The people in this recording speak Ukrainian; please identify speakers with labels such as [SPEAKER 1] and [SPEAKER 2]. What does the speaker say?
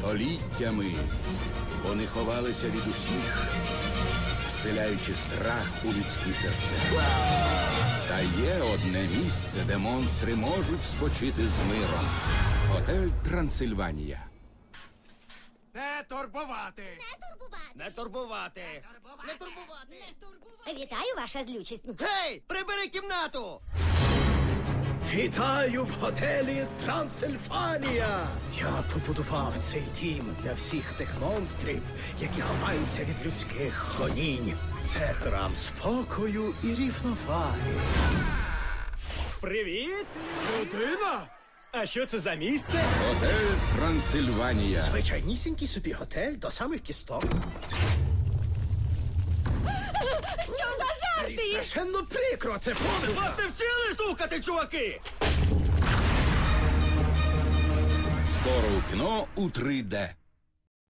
[SPEAKER 1] Століттями вони ховалися від усіх, вселяючи страх у людські серця. Та є одне місце, де монстри можуть спочити з миром. Готель Трансильванія.
[SPEAKER 2] Не турбувати!
[SPEAKER 3] Не турбувати.
[SPEAKER 4] Не турбувати.
[SPEAKER 5] Вітаю, ваша злючість.
[SPEAKER 4] Гей, прибери кімнату!
[SPEAKER 6] Вітаю в готелі Трансильфанія! Я побудував цей дім для всіх тих монстрів, які ховаються від людських гонінь. Це храм спокою і рівноваги.
[SPEAKER 3] Привіт!
[SPEAKER 2] Людина?
[SPEAKER 3] А що це за місце?
[SPEAKER 1] Готель Трансильванія.
[SPEAKER 6] Звичайнісінький собі готель до самих кісток.
[SPEAKER 5] Що за жарти?
[SPEAKER 6] Страшенно прикро, це помилка!
[SPEAKER 3] Вас не вчили стукати, чуваки!
[SPEAKER 1] Скоро у кіно у 3D.